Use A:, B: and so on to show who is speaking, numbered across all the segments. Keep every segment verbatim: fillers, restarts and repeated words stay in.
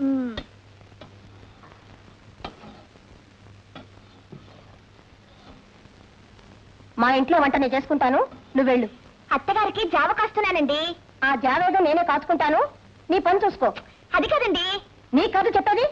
A: మా ఇంట్లో వంట నేను చేసుకుంటాను, నువ్వు వెళ్ళు. అత్తగారికి జావ కాస్తున్నానండి. ఆ జావేదో నేనే కాచుకుంటాను, నీ పని చూసుకో. అది కాదండి. నీ కాదు చెప్పేది.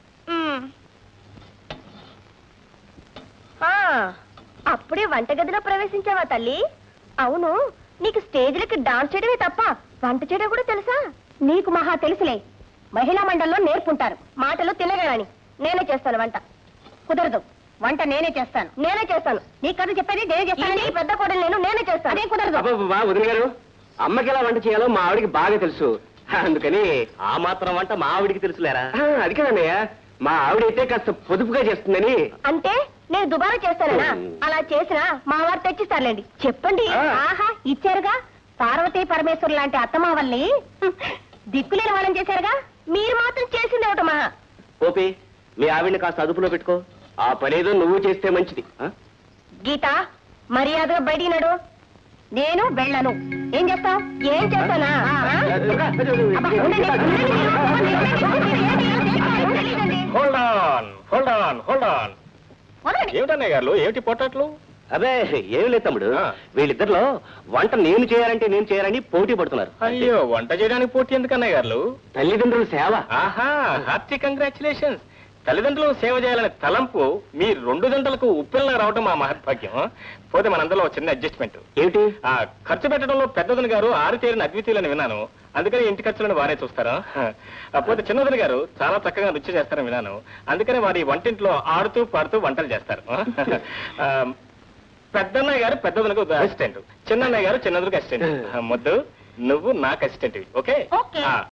A: అప్పుడే వంటగదిలో ప్రవేశించావా తల్లి? అవును, నీకు స్టేజ్లకి డాన్స్ చేయడమే తప్ప వంట చేయడం కూడా తెలుసా? నీకు మహా తెలుసులే. మహిళా మండలిలో నేర్పుంటారు మాటలు తినగాని. నేనే చేస్తాను వంట. కుదరదు, వంట నేనే చేస్తాను. నేనే చేస్తాను. నీ కథ చెప్పేది నేనే చేస్తాను. పెద్ద కోడలు నేను నేనే చేస్తాను. అదే కుదరదు.
B: వదిన గారు, అమ్మకి ఎలా వంట చేయాలో మా ఆవిడికి బాగా తెలుసు. అందుకని ఆ మాత్రం వంట మా ఆవిడికి తెలుసులేరా? అది కదన్నయ్య, మా ఆవిడైతే కాస్త పొదుపుగా చేస్తుందని.
A: అంటే నేను దుబారా చేస్తానా? అలా చేసినా మా వారు తెచ్చిస్తారులేండి. చెప్పండి. ఆహా, ఇచ్చారుగా. పార్వతీ పరమేశ్వరు లాంటి అత్తమావల్ని దిక్కులేని వాళ్ళని చేశారుగా. మీరు మాత్రం చేసింది ఒకటి మహా.
B: ఓపి, మీ ఆవిడ్ని కాస్త అదుపులో పెట్టుకో. ఆ పనేదో నువ్వు చేస్తే మంచిది.
A: గీత, మర్యాదగా బయటికి నడు. నేను వెళ్ళను. ఏం చేస్తావు? ఏం చేస్తానా?
C: ఏమిటన్నయ్య గారు, ఏమిటి పొట్టట్లు?
B: అదే ఏం లేదు తమ్ముడు, వీళ్ళిద్దరిలో వంట నేను చేయాలంటే నేను చేయాలని పోటీ పడుతున్నారు.
C: అయ్యో, వంట చేయడానికి పోటీ ఎందుకు అన్నయ్య గారు?
B: తల్లిదండ్రుల సేవ.
C: ఆహా, హార్టీ కంగ్రాచులేషన్స్. తల్లిదండ్రులకు సేవ చేయాలనే తలంపు మీ రెండు గంటలకు ఉప్పెల్లా రావడం మా మహత్భాగ్యం. పోతే మనందరిలో చిన్న అడ్జస్ట్మెంట్.
B: ఏమిటి?
C: ఆ ఖర్చు పెట్టడంలో పెద్దదని గారు ఆరుతేరిన అద్వితీయులని విన్నాను. అందుకని ఇంటి ఖర్చులను వారే చూస్తారా? పోతే చిన్నదని గారు చాలా చక్కగా రుచి చేస్తారని విన్నాను. అందుకని వారి వంటింట్లో ఆడుతూ పాడుతూ వంటలు చేస్తారు. పెద్దన్నయ్య గారు పెద్దదనకు అసిస్టెంట్, చిన్నన్నయ్య గారు చిన్నదనకు అసిస్టెంట్. ముద్దు, నువ్వు నాకు అసిస్టెంట్. ఓకే,